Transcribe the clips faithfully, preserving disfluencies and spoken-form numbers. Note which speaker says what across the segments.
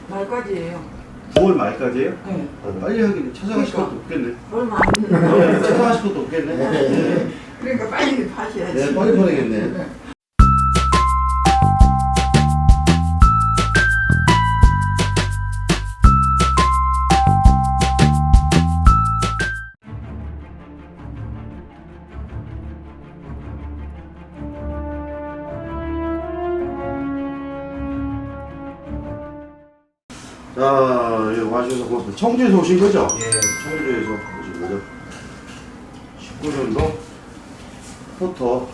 Speaker 1: 말까지예요.
Speaker 2: 구월 말까지예요?
Speaker 1: 네.
Speaker 2: 아, 빨리 하긴 찾아가실
Speaker 1: 그러니까.
Speaker 2: 것도 없겠네.
Speaker 1: 얼마 안
Speaker 2: 네,
Speaker 1: 됐는데.
Speaker 2: 찾아가실 것도 없겠네. 네.
Speaker 1: 그러니까 빨리 파셔야지.
Speaker 2: 네, 빨리 보내겠네. 자, 여기 와주셔서 고맙습니다. 청주에서 오신 거죠? 예, 청주에서 오신 거죠. 십구 년도 포터.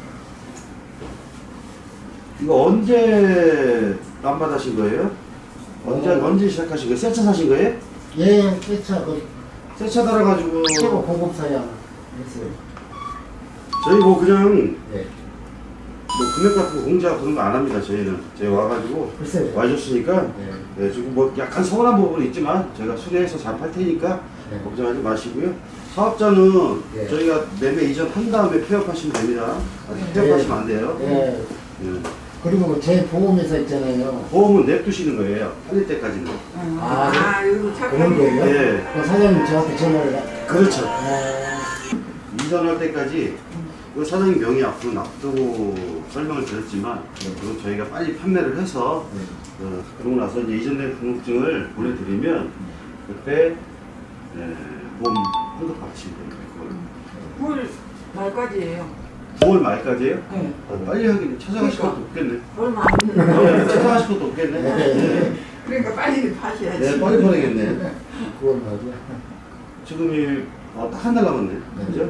Speaker 2: 이거 언제 남받으신 거예요? 언제,
Speaker 3: 어.
Speaker 2: 언제 시작하신 거예요? 새 차 사신 거예요?
Speaker 3: 예, 세차 그
Speaker 2: 새 차 달아가지고.
Speaker 3: 최고 고급 사양 했어요.
Speaker 2: 저희 뭐 그냥
Speaker 3: 예.
Speaker 2: 뭐 금액 같은 거 공지하고 그런 거 안 합니다. 저희는. 저희 와가지고
Speaker 3: 글쎄요.
Speaker 2: 와주셨으니까.
Speaker 3: 예.
Speaker 2: 네, 지금 뭐 약간 서운한 부분이 있지만 저희가 수리해서 잘 팔 테니까
Speaker 3: 네.
Speaker 2: 걱정하지 마시고요. 사업자는
Speaker 3: 예.
Speaker 2: 저희가 매매 이전 한 다음에 폐업하시면 됩니다. 아직
Speaker 3: 예.
Speaker 2: 폐업하시면 안 돼요.
Speaker 3: 예.
Speaker 2: 예.
Speaker 3: 그리고 제 보험회사 있잖아요.
Speaker 2: 보험은 냅두시는 거예요. 팔릴 때까지는.
Speaker 1: 응.
Speaker 3: 아,
Speaker 1: 아, 이거
Speaker 3: 그런 거예요?
Speaker 1: 착하게.
Speaker 2: 예.
Speaker 3: 그 사장님 저한테 전화를. 하-
Speaker 2: 그렇죠.
Speaker 3: 아,
Speaker 2: 이전할 때까지 그 사장님 명의 앞으로 놔두고 설명을 드렸지만
Speaker 3: 네.
Speaker 2: 그건 저희가 빨리 판매를 해서
Speaker 3: 네.
Speaker 2: 어, 그러고 나서 이제 이전된 등록증을 보내드리면 그때 예, 보험 환급 받으시면 됩니다. 그걸.
Speaker 1: 구월 말까지예요.
Speaker 2: 구월 말까지예요?
Speaker 1: 네.
Speaker 2: 아, 빨리 하긴 찾아가실
Speaker 1: 그러니까.
Speaker 2: 것도 없겠네.
Speaker 1: 얼마 안
Speaker 2: 네,
Speaker 1: 됐는데.
Speaker 2: 찾아가실 것도 없겠네. 네,
Speaker 1: 그러니까 빨리 파셔야지.
Speaker 2: 네, 빨리 보내겠네.
Speaker 3: 그건 말이야.
Speaker 2: 지금이 어, 딱 한 달 남았네.
Speaker 3: 네.
Speaker 2: 그죠?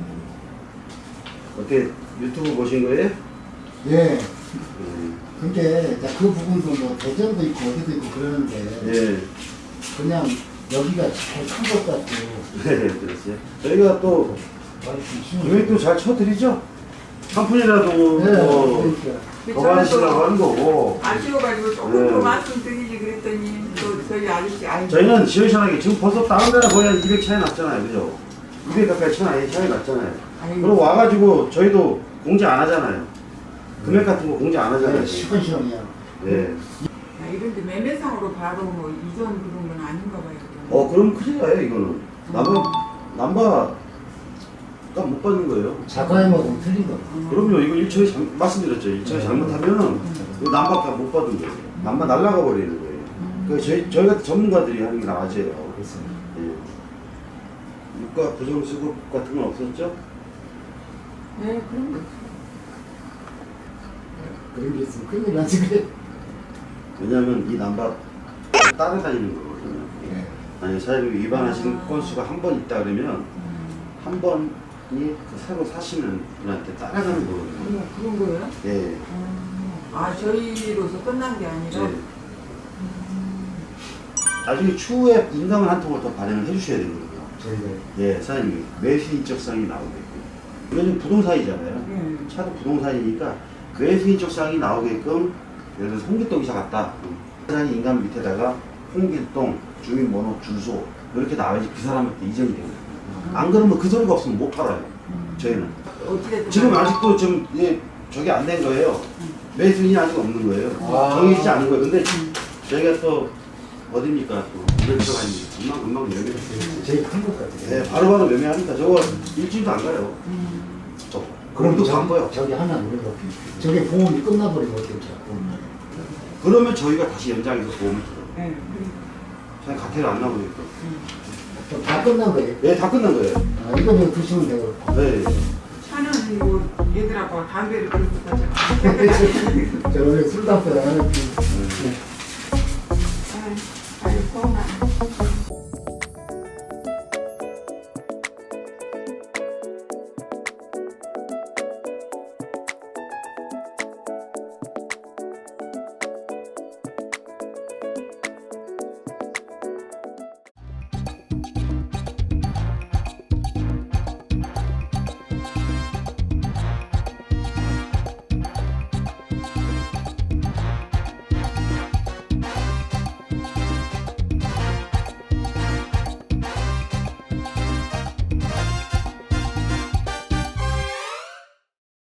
Speaker 2: 어떻게 유튜브 보신 거예요?
Speaker 3: 예.
Speaker 2: 음,
Speaker 3: 근데 이제 그 부분도 뭐 대전도 있고 어디도 있고 그러는데
Speaker 2: 예.
Speaker 3: 그냥 여기가 제일 큰 것 같고.
Speaker 2: 네, 그랬어요. 저희가 또
Speaker 3: 말씀
Speaker 2: 금액도 잘 쳐드리죠? 한 푼이라도
Speaker 3: 네,
Speaker 2: 뭐
Speaker 3: 그러니까.
Speaker 2: 더 받으시라고 하는 거고.
Speaker 1: 아쉬워가지고 조금
Speaker 2: 네.
Speaker 1: 더 말씀드리지 그랬더니 또 저희 아저씨 아이
Speaker 2: 저희는 시원시원하게 지금 벌써 다른 데나 거의 한 이백 차이 났잖아요. 그죠? 이백 가까이 차이, 차이 났잖아요.
Speaker 1: 아이고.
Speaker 2: 그리고 와가지고 저희도 공지 안 하잖아요. 금액 같은 거 공지 안 하잖아요.
Speaker 3: 네, 시원시원해요.
Speaker 2: 네.
Speaker 1: 아, 이런데 매매상으로 바로 뭐 이전 그런 건 아닌가 봐요.
Speaker 2: 어, 그럼 큰일 나요, 이거는. 남바, 남바가 못 받는 거예요.
Speaker 3: 자가임하고 틀린 거.
Speaker 1: 음.
Speaker 2: 그럼요, 이거 일처리 잘, 말씀드렸죠. 일처리 잘못하면은 이거 남바가 못 받은 거예요. 남바 날라가 버리는 거예요. 그 저희, 저희 같은 전문가들이 하는 게 나아져요.
Speaker 3: 그래서
Speaker 2: 예. 유가 부정수급 같은 건 없었죠?
Speaker 1: 네, 그런 거.
Speaker 3: 그런 게 있으면 큰일 나지 그래.
Speaker 2: 왜냐면 이 남바 따라다니는 거거든요.
Speaker 3: 네.
Speaker 2: 만약에 사장님이 위반하시는
Speaker 1: 아.
Speaker 2: 건수가 한 번 있다 그러면
Speaker 1: 음.
Speaker 2: 한 번이 그 새로 사시는 분한테 따라가는 거거든요.
Speaker 1: 그런, 그런 거예요?
Speaker 2: 예.
Speaker 1: 음. 아, 저희로서 끝난 게 아니라.
Speaker 2: 네. 나중에 추후에 인감을 한 통을 더 발행을 해주셔야 되거든요.
Speaker 3: 저희가
Speaker 2: 예, 사장님이 매수 인적사항이 나오게끔. 이거는 부동산이잖아요.
Speaker 1: 음.
Speaker 2: 차도 부동산이니까 매수 인적사항이 나오게끔 예를 들어서 홍길동 이사 갔다. 사장님 인감 밑에다가 홍길동, 주민번호, 주소 이렇게 나와야지 그 사람한테 이전이 되거든요. 안 그러면 그 소리가 없으면 못 팔아요. 저희는.
Speaker 1: 어찌됐든
Speaker 2: 지금
Speaker 1: 간에.
Speaker 2: 아직도 좀 예, 저게 안 된 거예요. 매수인이 아직 없는 거예요.
Speaker 3: 아.
Speaker 2: 정해지지 않은 거예요. 근데 저희가 또 어딥니까? 또 이럴 필요가 있는데 금방 금방 매매했어요.
Speaker 3: 제일 큰 것 같아요.
Speaker 2: 네, 바로바로 매매합니다. 저거 일주일도 안 가요.
Speaker 1: 음.
Speaker 2: 저.
Speaker 3: 그럼
Speaker 2: 그럼도
Speaker 3: 저기,
Speaker 2: 바빠요.
Speaker 3: 저기 하나 우리가 저게 보험이 끝나버리면 어떻게 자꾸.
Speaker 2: 그러면 저희가 다시 연장해서 보험을 들어요.
Speaker 1: 네, 그러니까.
Speaker 2: 저희 가태를 안 나오니까.
Speaker 3: 그럼 다 끝난 거예요.
Speaker 2: 네, 다 끝난 거예요.
Speaker 3: 아, 이거 그냥 드시면 돼요.
Speaker 2: 네.
Speaker 1: 차는 뭐 얘들하고 담배를 피우고 가자.
Speaker 3: 저 원래 술 담배 안 하는
Speaker 2: 네.